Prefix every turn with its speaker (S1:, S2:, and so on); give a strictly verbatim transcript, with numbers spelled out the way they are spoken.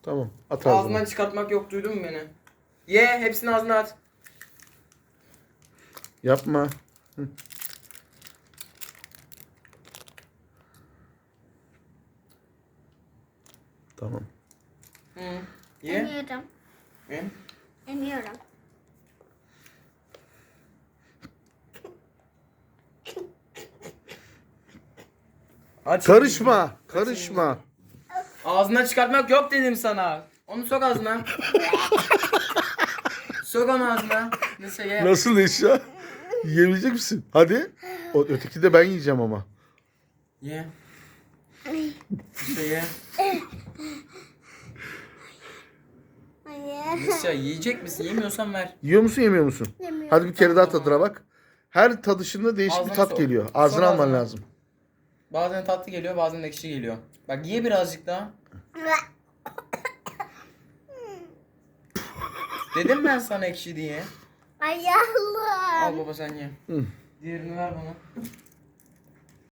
S1: Tamam. At ağzına.
S2: Ağzından çıkartmak yok, duydun mu beni? Ye, hepsini ağzına at.
S1: Yapma. Hı. Tamam.
S2: Hı. Ye.
S3: Emiyorum.
S2: Ye.
S3: Emiyorum.
S2: Aç.
S1: Karışma. Karışma.
S2: Ağzından çıkartmak yok dedim sana. Onu sok ağzına. Sok onu ağzına. Neyse ye.
S1: Nasıl eşya? Yiyebilecek misin? Hadi. O öteki de ben yiyeceğim ama.
S2: Ye. İşte ye.
S3: Hayır.
S2: Neyse yiyecek misin? Yemiyorsan ver.
S1: Yiyor musun yemiyor musun?
S3: Yemiyorum.
S1: Hadi bir kere daha tadına bak. Her tadışında değişik
S2: Ağzına
S1: bir tat
S2: sok.
S1: geliyor. Ağzına
S2: Sok
S1: alman
S2: ağzına.
S1: lazım.
S2: Bazen tatlı geliyor, bazen ekşi geliyor. Bak ye birazcık daha. Dedim ben sana ekşi diye.
S3: Ayağım.
S2: Al baba sen ye.
S1: Hı.
S2: Diğerini ver bana.